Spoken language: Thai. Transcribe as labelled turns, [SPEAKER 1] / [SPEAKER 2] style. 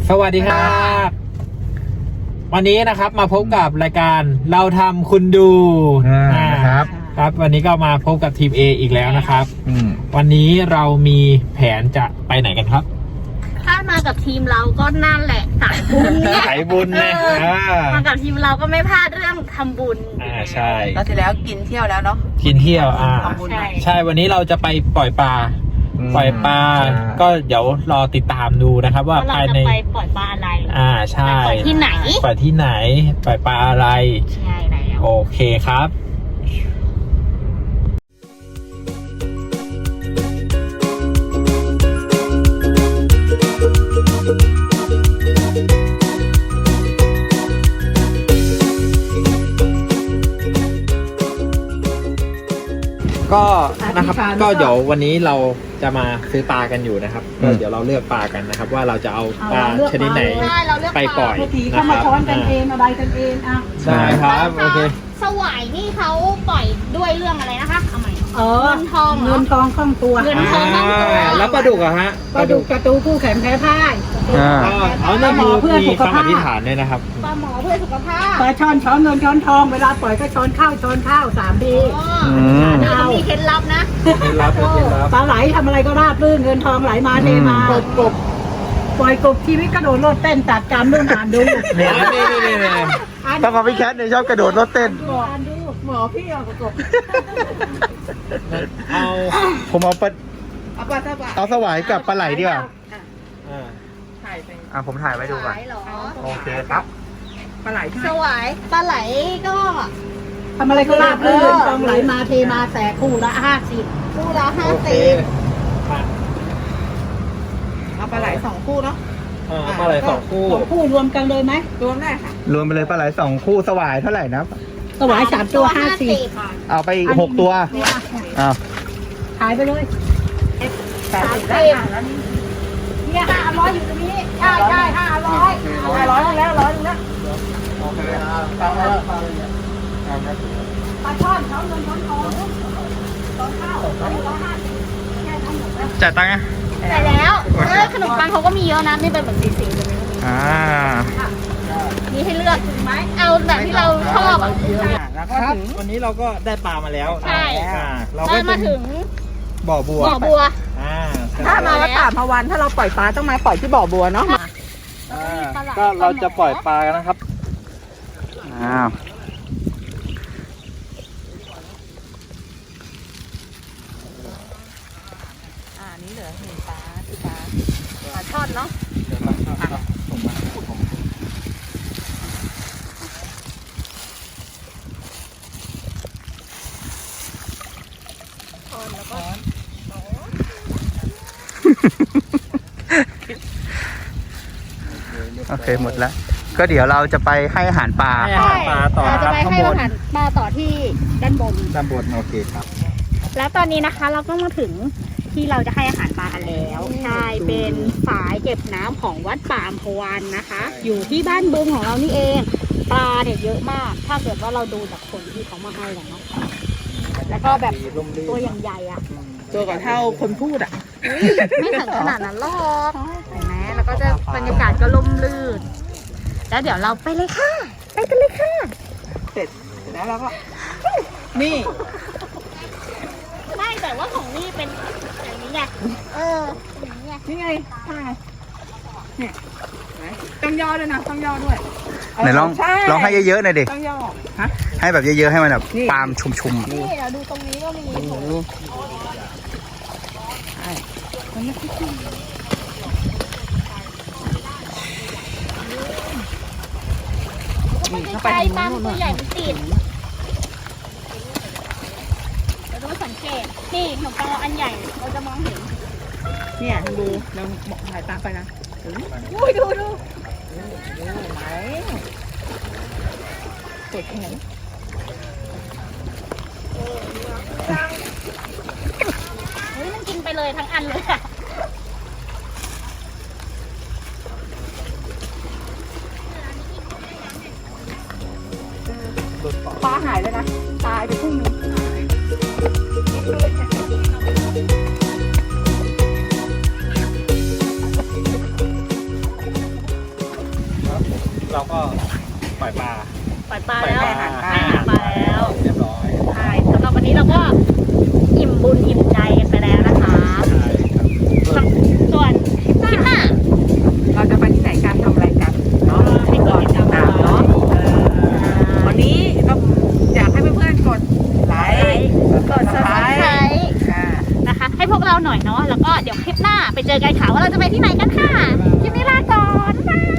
[SPEAKER 1] สวัสดีครับวันนี้นะครับมาพบกับรายการเราทำคุณดู
[SPEAKER 2] นะครับ
[SPEAKER 1] ครับวันนี้ก็มาพบกับทีม A อีกแล้วนะครับวันนี้เรามีแผนจะไปไหนกันครับ
[SPEAKER 3] ถ้ามากับทีมเราก็นั่นแหละสายบุญเนี่ย
[SPEAKER 1] สายบุญนะ
[SPEAKER 3] มากับทีมเราก็ไม่พลาดเรื่องทำบุญ
[SPEAKER 1] ใช่
[SPEAKER 4] แล้วทีแล้วกินเที่ยวแล้วเนาะ
[SPEAKER 1] กินเที่ยวใช่วันนี้เราจะไปปล่อยปลาก็เดี๋ยวรอติดตามดูนะครับว่าภายใน
[SPEAKER 3] ไปปล่อยปลาอะไร
[SPEAKER 1] ใช่
[SPEAKER 3] ปล่อยที่ไหน
[SPEAKER 1] ปล่อยที่ไหนปล่อยปลาอะไร
[SPEAKER 3] ใช่แล้ว
[SPEAKER 1] โอเคครับก็นะครับก็เดี๋ยววันนี้เราจะมาซื้อปลากันอยู่นะครับก็เดี๋ยวเราเลือกปลากันนะครับว่าเราจะเอาปลาชนิดไหนไปปล่อย
[SPEAKER 4] นะครับเข้ามาช้อนกันเองอะไรกันเอง
[SPEAKER 1] ใช่ครับโอเค
[SPEAKER 3] สวายนี่เขาปล่อยด้วยเรื่องอะไรนะคะเอาใหม่เงินทอง
[SPEAKER 4] คล่องตัว
[SPEAKER 3] เงินทองคล่องตัว
[SPEAKER 1] แล้วปลาดุกอะฮะ
[SPEAKER 4] ปลาดุกกระตูคู่แขนแพ้พ่าย
[SPEAKER 1] เอาหน้ามือเพื่อสุขภาพอธิษฐานด้วยนะครับ
[SPEAKER 3] ปลาหมอเพื่อสุขภาพ
[SPEAKER 4] ปลาช้อนเงินช้อนทองเวลาปล่อยก็ช้อนข้าว3 ที
[SPEAKER 3] เรามีเคล็ดลับนะ
[SPEAKER 1] เคล็ดลับ
[SPEAKER 4] ปลาไหลทำอะไรก็ราบรื่นเงินทองไหลมาเทมากบปล่อยกบชีวิตกระโดดโลดเต้นตัดกรรมด้วยอ่านดู
[SPEAKER 1] นี่
[SPEAKER 2] ต้องเอาพี่แคทเนี่ยชอบกระโดดรถเต้น
[SPEAKER 4] หมอพี่เอากบ
[SPEAKER 2] ผมเอาสวายกับปลาไหลดีกว่าผมถ่ายไว้ดูก่อนโอเคครับ
[SPEAKER 4] ปลาไหล
[SPEAKER 3] สวายปลาไหลก็
[SPEAKER 4] ทำอะไรก็ราบรื่นทองไหลมาเทมาแต่คู่ละ50
[SPEAKER 3] คู่ละ50
[SPEAKER 4] เอาปลาไหล2 คู่เนาะ
[SPEAKER 1] ปลาไหล2 คู่
[SPEAKER 4] รวมกันเลยไหมรวมได้ค่ะ
[SPEAKER 2] รวมไปเลยปลาไหล2 คู่สวายเท่าไหร่นะ
[SPEAKER 4] สวาย3 ตัว50
[SPEAKER 2] เอาไปอีก6 ตัว
[SPEAKER 4] ขายไปเลย80ได้แล้วเนี่ย500อยู่ตรงนี้ใช่500แล้ว100โอเคฟังแล้วปลาช่อนเขาเงินช้อนทองข้าว
[SPEAKER 2] จ่ายตังค์ไง
[SPEAKER 3] แต่แล้วขนมปังเขาก็มีเยอะนะนี่เป็นแบบสีๆเลยมีให้เลือกไหมเอาแบบที่เราชอบ
[SPEAKER 1] ครับวันนี้เราก็ได้ปลามาแล้ว
[SPEAKER 3] ใช่
[SPEAKER 1] เราก็มาถึงบ่อบัว
[SPEAKER 4] ถ้ามาก็ตามพวันถ้าเราปล่อยปลาต้องมาปล่อยที่บ่อบัวเนาะ
[SPEAKER 1] ก็เราจะปล่อยปลากันนะครับ
[SPEAKER 4] นี่เหลือเห็นปลาช่อนเนาะ
[SPEAKER 2] โอเคหมดแล้วก็เดี๋ยวเราจะไปให้อาหารปลา
[SPEAKER 1] ต่อ
[SPEAKER 3] จะไปให้อาหารปลาต่อที่ด้านบน
[SPEAKER 1] โอเคครับ
[SPEAKER 3] แล้วตอนนี้นะคะเราก็มาถึงที่เราจะให้อาหารปลาแล้วใช่เป็นฝายเก็บน้ำของวัดป่าอัมพวันนะคะอยู่ที่บ้านบึงของเรานี่เองปลาเนี่ยเยอะมากถ้าเกิดว่าเราดูจากคนที่เขามาให้กันเนาะแล้วก็แบบตัวอย่างใหญ่อะ
[SPEAKER 4] ตัวก่อนเท่าคนพูด
[SPEAKER 3] ไม่ถึงขนาดนั้นหรอกเห็นไหมแล้วก็จะบรรยากาศก็ร่มรื่นแล้วเดี๋ยวเราไปเลยค่ะไปกันเลยค่ะ
[SPEAKER 4] เสร็จแล้วเราก็นี่
[SPEAKER 3] ไม่แต่ว่าของนี่เป็นอย่างนี้ไง
[SPEAKER 4] นี่ไงเนี่ยต้องย่อด้วยนะต้องย่อด้วย
[SPEAKER 2] ไหนลองให้เยอะๆหน่อยดิ
[SPEAKER 4] ต้องย่อ
[SPEAKER 2] ให้แบบเยอะๆให้มันแบบปามชุ่ม
[SPEAKER 3] ๆนี่เราดูตรงนี้ก็มี
[SPEAKER 4] มันไม่ชุ่ม
[SPEAKER 3] ไปตามตัวใหญ่มันติดเราต้องสังเกตนี่ขนมปังอันใหญ่เราจะมองเห็น
[SPEAKER 4] เนี่ยดูเราถ่ายตามไปนะ
[SPEAKER 3] ดู
[SPEAKER 4] ไหนเปิดแขน
[SPEAKER 3] มันกินไปเลยทั้งอันเลยค่ะ
[SPEAKER 4] ปลาหายเลยนะตายไปครึ่งนึง
[SPEAKER 1] เราก็ปล่อยปลา
[SPEAKER 3] ปล่อยปลาแล้ว
[SPEAKER 1] ปล่อยปลา
[SPEAKER 3] ให้อาหารปลาแล้ว
[SPEAKER 1] เรียบร้อย
[SPEAKER 3] ใช่สำหรับวันนี้เราก็อิ่มบุญอิ่มใจกันไปแล้วนะคะ
[SPEAKER 1] ใช่ครับ
[SPEAKER 3] ส่วนคลิปหน้า
[SPEAKER 4] เราจะไปที่ไหนกันทำอะไรกันเนาะให้กดติดตามเนาะวันนี้ก็อยากให้เพื่อนๆกดไลค์
[SPEAKER 3] กด subscribe นะคะ ให้พวกเราหน่อยเนาะแล้วก็เดี๋ยวคลิปหน้าไปเจอกันค่ะว่าเราจะไปที่ไหนกันค่ะ คลิปนี้ลาก่อนบ๊ายบาย